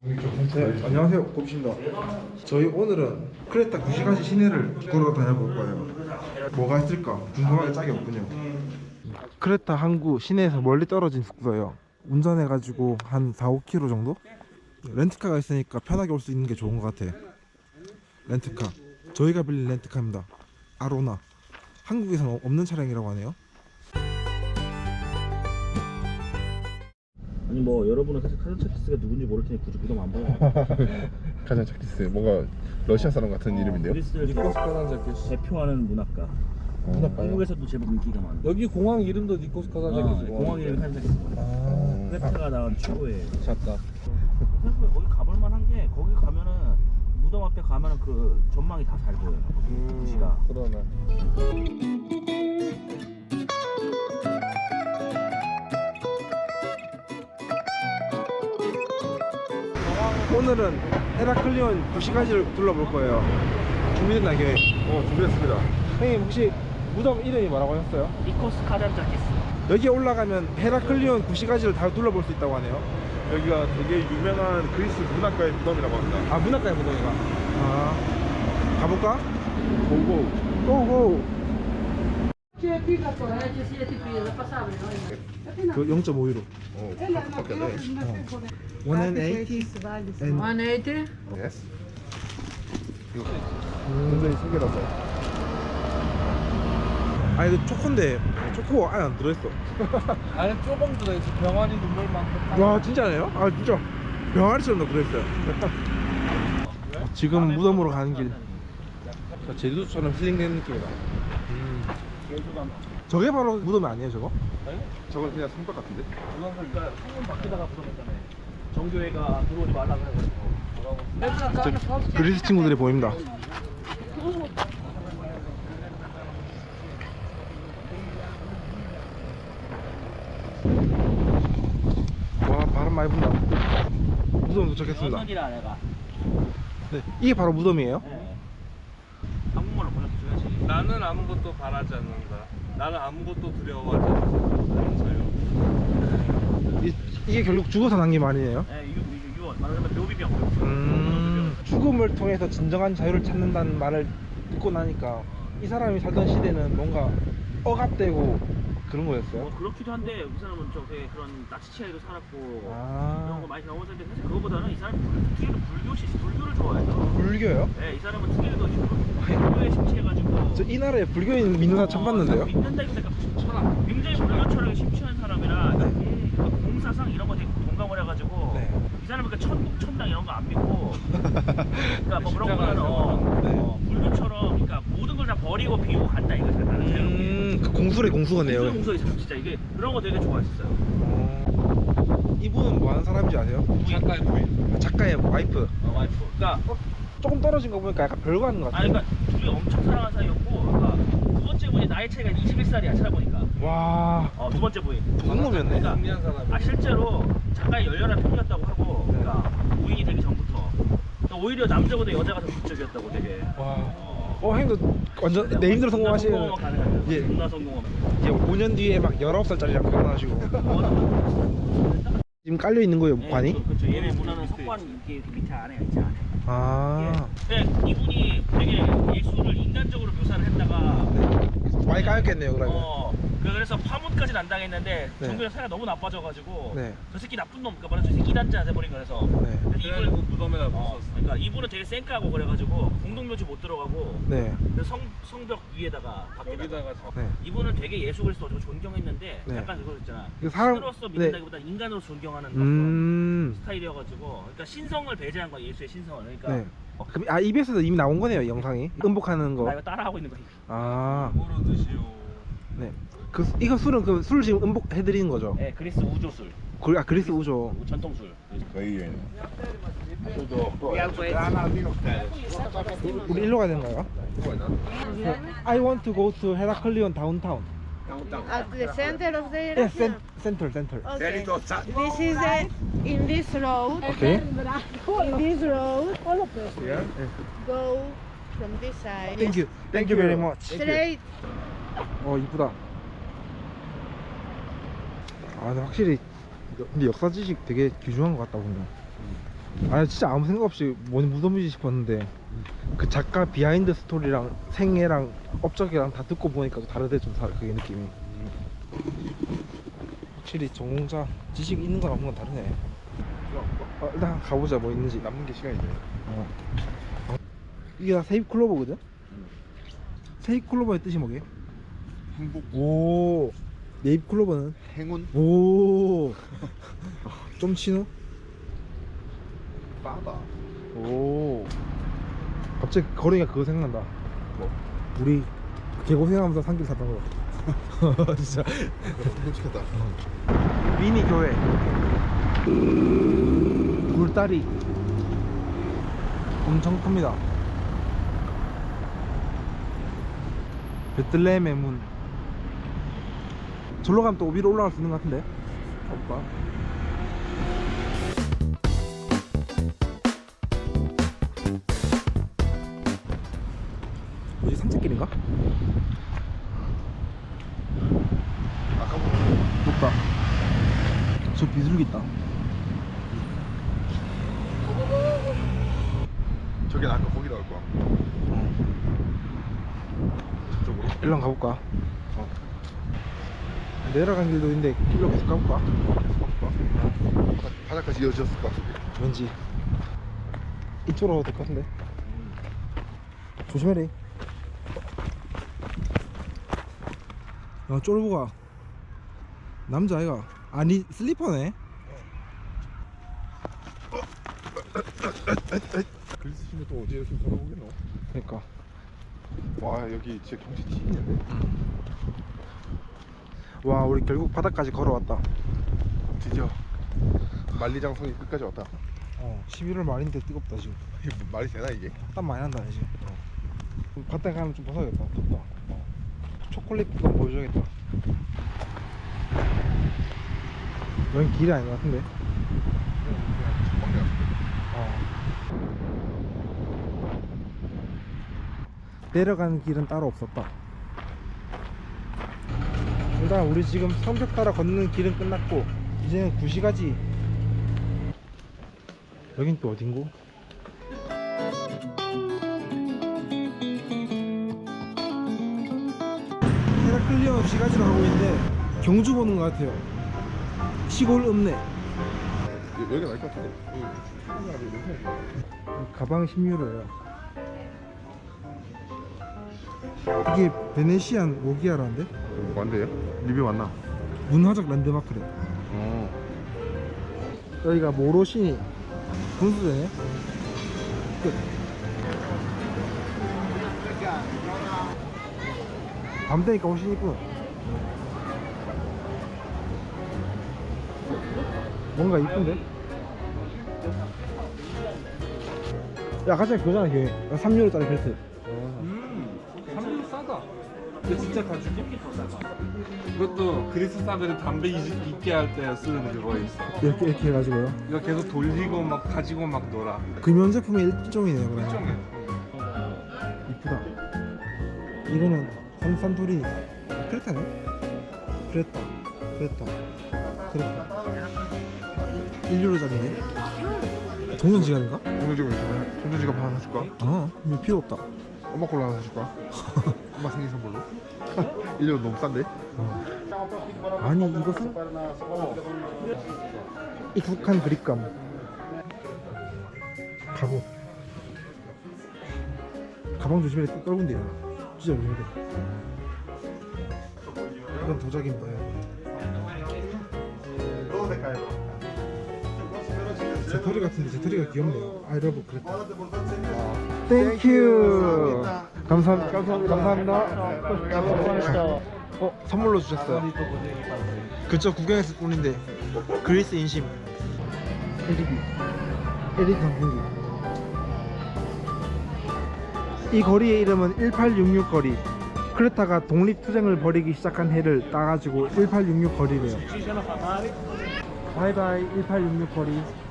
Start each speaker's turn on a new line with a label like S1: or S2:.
S1: 네, 안녕하세요. 곱입니다. 저희 오늘은 크레타 9시간시 시내를 걸어 다녀볼 거예요. 뭐가 있을까? 궁금하게 짝이 없군요. 크레타 항구 시내에서 멀리 떨어진 숙소예요. 운전해가지고 한 4, 5km 정도? 렌트카가 있으니까 편하게 올 수 있는 게 좋은 것 같아. 렌트카. 저희가 빌린 렌트카입니다. 아로나. 한국에서는 없는 차량이라고 하네요.
S2: 아니 뭐 여러분은 사실 카자차키스가 누군지 모를 테니 굳이 부담 안 봐요.
S3: 카자차키스 뭔가 러시아 사람 같은 이름인데요?
S2: 그리스를
S4: 니코스
S2: 대표하는 문학가. 한국에서도 제법 인기가 많아.
S4: 여기 공항 이름도 니코스 카자키스.
S2: 공항 이름이 카자차키스. 크레타가 나온 최고의.
S4: 잤다.
S2: 생각보다 거기 가볼 만한 게 거기 가면은 무덤 앞에 가면은 그 전망이 다 잘 보여요. 도시가.
S4: 그러네.
S1: 오늘은 헤라클리온 9시간시를 둘러볼 거예요. 준비됐나요?
S3: 준비했습니다.
S1: 형님 혹시 무덤 이름이 뭐라고 하셨어요?
S2: 니코스 카자차키스.
S1: 여기 올라가면 헤라클리온 9시간시를 다 둘러볼 수 있다고 하네요.
S3: 여기가 되게 유명한 그리스 문학가의 무덤이라고 합니다.
S1: 아, 문학가의 무덤이가. 아, 가볼까?
S3: 고고.
S1: 고고. 그 0.5유로.
S3: 밖에 돼.
S1: 180 and
S5: 180?
S3: 예스. 이거 굉장히 신기하다.
S1: 아, 이거 초코인데 초코 안에 안 들어있어.
S4: 안에 조금 들어있어. 병아리 눈물만큼.
S1: 와, 진짜네요? 아, 진짜 병아리처럼 들어있어요. 지금 무덤으로 가는 길 제주도처럼 힐링되는 느낌이다. 저게 바로 무덤이 아니에요, 저거?
S3: 저건 그냥 성벽 같은데?
S2: 그러니까 성문 밖에다가 부정했다며. 정교회가 들어오지 말라고 해가지고.
S1: 그리스 친구들이 보입니다. 와, 바람 많이 분다. 무덤 도착했습니다.
S2: 여선이라 내가.
S1: 네, 이게 바로 무덤이에요?
S2: 네. 한국말로 번역해줘야지.
S4: 나는 아무것도 바라지 않는다. 나는 아무것도 두려워하지 않는다.
S1: 이게 결국 죽어서 남긴 말이네요.
S2: 네, 유언. 말하자면 묘비병.
S1: 죽음을 통해서 진정한 자유를 찾는다는 말을 듣고 나니까 이 사람이 살던 시대는 뭔가 억압되고 그런 거였어요.
S2: 그렇기도 한데 이 사람은 좀 되게 그런 나치 치하에도 살았고
S1: 아.
S2: 그런 거 많이 경험했는데 사실 그거보다는 이 사람이 특히도 불교를 좋아해서.
S1: 불교요?
S2: 네, 이 사람은 특히도 불교에 심취해가지고.
S1: 저 이 나라에 불교인 믿는 사람 처음 봤는데요?
S2: 믿는다기보다 철학. 굉장히 불교 철학에 심취한 사람이라 그 공사상 이런 거 되게 공감을 해가지고.
S1: 네.
S2: 이 사람은 그 천국 천당 이런 거 안 믿고. 그러니까 뭐 그런
S4: 십자가
S2: 거는
S1: 네.
S2: 불교처럼 그러니까 모든 걸 다 버리고 비우고 간다 이거 잘 나는 자유롭게.
S1: 그 공술의 공수거네요.
S2: 공소에 진짜 이게 그런 거 되게 좋아했어요.
S1: 이분은 뭐 하는 사람인지 아세요?
S4: 작가의 부인.
S1: 작가의 와이프.
S2: 와이프. 그러니까
S1: 조금 떨어진 거 보니까 약간 별거 하는 것
S2: 아니
S1: 같아요.
S2: 그러니까 둘이 엄청 사랑하는 사이였고, 그러니까 두 번째 분이 나이 차이가 21살이야 찾아보니까.
S1: 와,
S2: 두 번째 부인.
S1: 동놈이었네.
S2: 그러니까
S4: 정리한 사람.
S2: 실제로 작가의 열렬한 팬이었다고 하고, 그러니까 부인이 되기 전부터. 그러니까 오히려 남자보다 여자가 더 극적이었다고 되게.
S1: 와. 형도 완전 네임대로 성공하시는.
S2: 성공하면 가능하죠.
S1: 예.
S2: 존나 성공하면.
S1: 이제 5년 뒤에 막 19살짜리랑 결혼하시고. 지금 깔려 있는 거예요, 관이?
S2: 그렇죠. 얘네 문화는 석관 이렇게 밑에 안에 있지 않아요.
S1: 아.
S2: 예. 근데 이분이 되게 예술을 인간적으로 묘사를 했다가
S1: 많이 까였겠네요, 그러면.
S2: 그래서 파문까지는 안 당했는데
S1: 네.
S2: 정규현 사이가 너무 나빠져가지고
S1: 네.
S2: 저 새끼 나쁜 놈, 그러니까 말하자면 저 새끼 이단자 돼버린 거라서.
S1: 네.
S2: 그래서
S4: 그래가지고
S2: 이분
S4: 무덤에다 묻었어.
S2: 그러니까 이분은 되게 쌩까고 그래가지고 공동묘지 못 들어가고
S1: 네.
S2: 그래서 성벽 위에다가 밖에다가.
S4: 여기다가
S1: 네.
S2: 이분은 되게 예수 그리스도를 존경했는데
S1: 네.
S2: 약간 그거 있잖아.
S1: 그 사람-
S2: 신으로서
S1: 네.
S2: 믿는다기보다 인간으로 존경하는 그런
S1: 네.
S2: 스타일이어가지고, 그러니까 신성을 배제한 거야, 예수의 신성을. 그러니까
S1: 네. 그럼 EBS에서 이미 나온 거네요, 영상이. 음복하는
S2: 나
S1: 거.
S2: 이거 따라하고 있는 거야.
S1: 아.
S4: 뭐로 드시오.
S1: 네. 이거 술은 그 술 지금 음복해 드리는 거죠?
S2: 네, 그리스 우조술,
S1: 그리스 우조.
S2: 전통술.
S3: 거의
S1: 우리 일로 가야 되는가요? I want to go to Heraklion downtown.
S5: At the center of the
S1: Yes,
S5: direction?
S1: center.
S5: Okay. This is in this road.
S1: Okay.
S5: In this road.
S1: Yeah.
S5: Go from this side.
S1: Thank you very much.
S5: Straight.
S1: 이쁘다. 아, 근데 확실히 근데 역사 지식 되게 귀중한 것 같다 보면. 아니 진짜 아무 생각 없이 뭔 무덤이지 싶었는데 그 작가 비하인드 스토리랑 생애랑 업적이랑 다 듣고 보니까 또 다르대 좀 그게 느낌이. 확실히 전공자 지식 있는 거랑 없는 건 다르네. 일단 가보자 뭐 있는지.
S3: 남는 게 시간이네.
S1: 이게 다 세입 클로버거든? 세입 클로버의 뜻이 뭐게?
S3: 행복,
S1: 오 네입 클로버는?
S3: 행운,
S1: 오 좀 치노?
S3: 빠다.
S1: 오 갑자기 거리가 그거 생각난다.
S3: 뭐?
S1: 우리 개고생하면서 산길 탔던 거. 진짜
S3: 끔찍하다.
S1: 미니 교회 굴다리 엄청 큽니다. 베틀레헴의 문. 절로 가면 또 위로 올라갈 수 있는 것 같은데. 가볼까? 뭐지, 산책길인가?
S3: 아까보다
S1: 높다. 저 비둘기 있다.
S3: 저기 아까 거기 나올 거야. 저쪽으로.
S1: 일로 한번 가볼까? 내려간 길도 있는데 길로 계속 가볼까?
S3: 바닥까지 이어졌을 것 같은데.
S1: 왠지 이쪽으로 가도 될 것 같은데. 조심해라. 야 쫄보가 남자아이가 아니 슬리퍼네.
S3: 글씨 신고 또 어디 이렇게 걸어보겠노?
S1: 그러니까
S3: 와 여기 진짜 경치 튀기는데?
S1: 와 우리 결국 바닥까지 걸어왔다.
S3: 드디어 만리장성이 끝까지 왔다.
S1: 11월 말인데 뜨겁다 지금.
S3: 이게 뭐 말이 되나 이게?
S1: 땀 많이 난다 지금. 바닥에 가면 좀 벗어야겠다. 덥다. 초콜릿 그거 보여줘야겠다. 여긴 길이 아닌 것 같은데. 내려가는 길은 따로 없었다. 일단 우리 지금 성벽 따라 걷는 길은 끝났고 이제는 구시가지. 여긴 또 어딘고? 헤라클리온 시가지로 가고 있는데 경주 보는 것 같아요. 시골 읍내.
S3: 여기가 나을 것 같은데?
S1: 가방 10유로예요. 이게 베네시안 모기아라는데?
S3: 뭔데요? 리뷰 맞나?
S1: 문화적 랜드마크래. 여기가 모로시니 분수대네. 끝. 밤 되니까 훨씬 이쁘. 뭔가 이쁜데? 야 가자 그거잖아 걔. 3유로짜리 벨트.
S4: 3분 싸다. 근데 진짜 가죽이 이것도 그리스 사람들이 담배 잊게 할 때 쓰는 그거 있어.
S1: 이렇게 해가지고요.
S4: 이거 계속 돌리고 막 가지고 막 놀아.
S1: 금연제품의 일종이네요. 그러면.
S4: 일종이야.
S1: 이쁘다. 이거는 산토리니. 크레타네? 크레타. 1유로짜리네. 동전지갑인가?
S3: 동전지갑 하나 사줄까?
S1: 이거 필요 없다.
S3: 엄마 걸로 하나 사줄까? 엄마 생일 선물로? 1년 너무 싼데?
S1: 아니 이것은 익숙한 그립감. 가보. 가방 조심해. 떨군데 진짜 조심해. 이건 도자기인가요? 제터리 같은데 제터리가 귀엽네요. I love 그랬다. 땡큐. 감사합니다. 선물로 주셨어요. 그저 구경했을 뿐인데 그리스 인심. LED 선풍기. 이 거리의 이름은 1866 거리. 크레타가 독립투쟁을 벌이기 시작한 해를 따가지고 1866 거리래요. 바이바이 1866 거리.